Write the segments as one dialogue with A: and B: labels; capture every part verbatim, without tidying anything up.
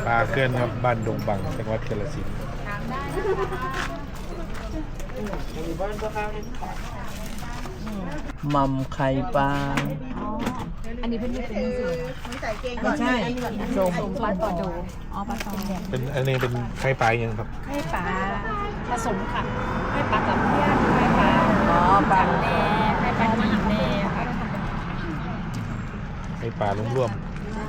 A: ปลาเคลื่อนครับบ้านดงบังจังหวัดกาฬสินธุ์
B: มัมไข่ปลา
C: อันนี้เพิ่งมีเป็นสื่อ
B: ไม่ใช่ส้ม
C: ปลาต่อโดอ๋อปลาต่อ
A: เป็นอันนี้เป็นไข่ปลาอย่างครับ
C: ไข่ปลาผสมค่ะไข่ปลากับเพี้ยนไข่ปลา
B: อ๋อปลา
C: แน่ไข่ปลาหนีแน่ค่ะ
A: ไข่ปลาร่วม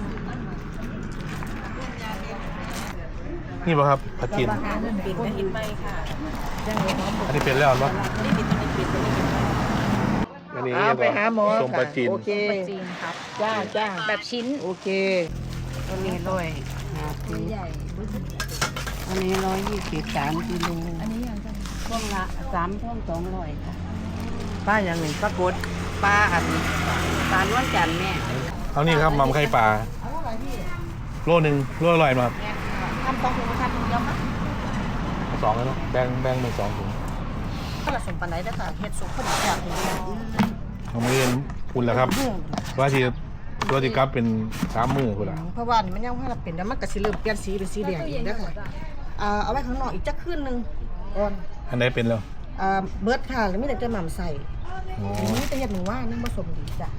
A: ๆนี่ป่ะครับผัดจีน
C: ปิดกระหินไปค่ะ
A: อันนี้เป็นแล้วเนาะ
C: นี่ปิดตัวนี้ปิดตัวนี้ปิด
A: อันนี้
B: เอาไปหาหมอ
A: ส้มปลาจีน
B: โอเค
C: ปลาจีนครับ
B: จ้าจ้า
C: แบบชิ้น
B: โอเคอันนี้ร้อยห้าสิบ
C: ใหญ่
B: อันนี้ร้อยยี่สิบสามกิโล
C: อันนี้ยังจะ
B: พวงละสามพวงสองร้อยค่ะป้าอย่างหนึ่งปรากฏป้าอันปลาล้วนจันแม่
A: เอานี่ครับมัมไข่ปลาโลหนึ่งโลอร่อยมาก
C: ทำสองถุงทำถุงเดียวค่ะ
A: สองแล้วเนาะแบ่งแบ่งเป็นสองถุง
C: ก็ผสมปันไหนได้ค่ะเห็ดสุกขนมจากถุงเดียว
A: เอามืออุ่นแล้วครับว่าที่ตัวที่กลับเป็นสามมือคุณล่ะ
D: เพราะว่านี่มันยังให้เราเป็นแล้วมันก็สิเริ่มเปลี่ยนสีเป็นสีแดงอีกแล้วค่ะอ่าเอาไว้ข้างนอกอีกจักคืนหนึงก่อน
A: อันไหนเป็นแล้ว
D: อ่าเบิร์ดค่ะแล้วมีแต่จะหม่ำใส่
A: โอ้
D: อันนี้แต่เห็ดหนูว่านี่ผสมดีจ้ะ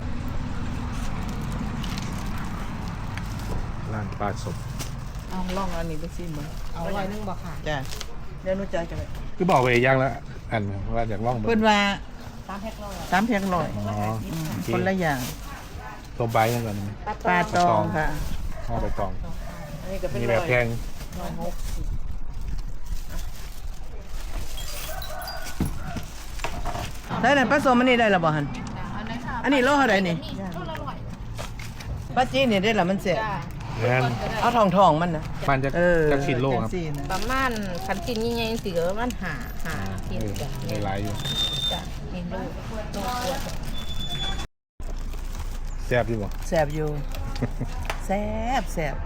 A: ร้านปลาสด
B: เอาลองอันนี้ไปซิมึง
D: เอาไว้นึงบ่ค่ะ
B: จ้าเดี๋ยวหนูจะจะ
A: คือบอกไปย่างแล้วอันว่าอยากลอง
B: เพิ่นว่า
C: ตามแพ็คร้อย
B: สามเพียงร้อย
A: อ๋อโอเค
B: คนละอย่าง
A: ตัวใบนั่นก่อนนะ
B: ปลาตองค่ะ
A: ข้าวใบตอง
B: อันนี้ก็เป็น
A: มี
B: ร้
A: แบ
B: อบ ย
A: แพง
B: ได้เลยผสมอันนี้ได้ละบ่หันอันนี้โลเท่าไหร่นี่ปลาจีนนี่ได้ละมันเสีย
A: แน่น
B: เอาทองทองๆมันนะ
A: มันจะ
B: เออ
A: จะชิ้นโลครับ
B: จังซี่นะ
C: ประมาณคันชิ้นยิ่งใหญ่สิก็ประมาณหาหา
A: เอ
C: ชิ้น
A: อ
C: จ้ะ
A: มีหลายอยู่
C: จ้ะมีลูกลูกตัว
A: แซ่บอยู่บ่
B: แสบอยู่ แสบแสบ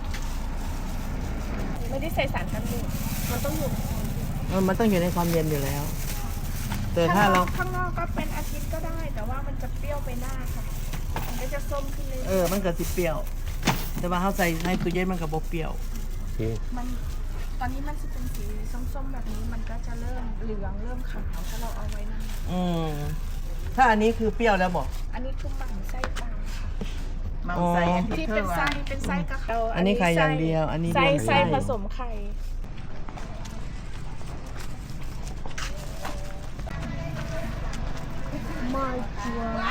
C: ไม่ได้ใส่สารกันบูดมันต้องอยู่
B: เออมันต้องอยู่ในความเย็นอยู่แล้ว แต่ถ้าเรา
E: ข้างนอกก็เป็นอาทิตย์ก็ได้ แต่ว่ามันจะเปรี้ยวไปหน้าค่ะ มันก็จะส้มขึ้นเลย
B: เออมันก็สิเปรี้ยว แต่ว่าเขาใส่ในตู้เย็นมันก็บ่เปรี้ยว
A: โอเค
E: มันตอนนี้มันจะเป็นสีส้มๆแบบนี้ มันก็จะเริ่มเหลืองเริ่มขาวถ้าเราเอาไว้นาน
B: อืมถ้าอันนี้คือเปรี้ยวแล้วบอก
E: อันนี้คือหมั่นไส้ปลาค่ะ
B: มังใส่
E: ที่เป็นไส้เป็นไส้กระเพรา
B: อันนี้ไข่อย่างเดียว อันนี้
E: ไส้
B: รวม
E: ไส้ผสมไข่
B: อ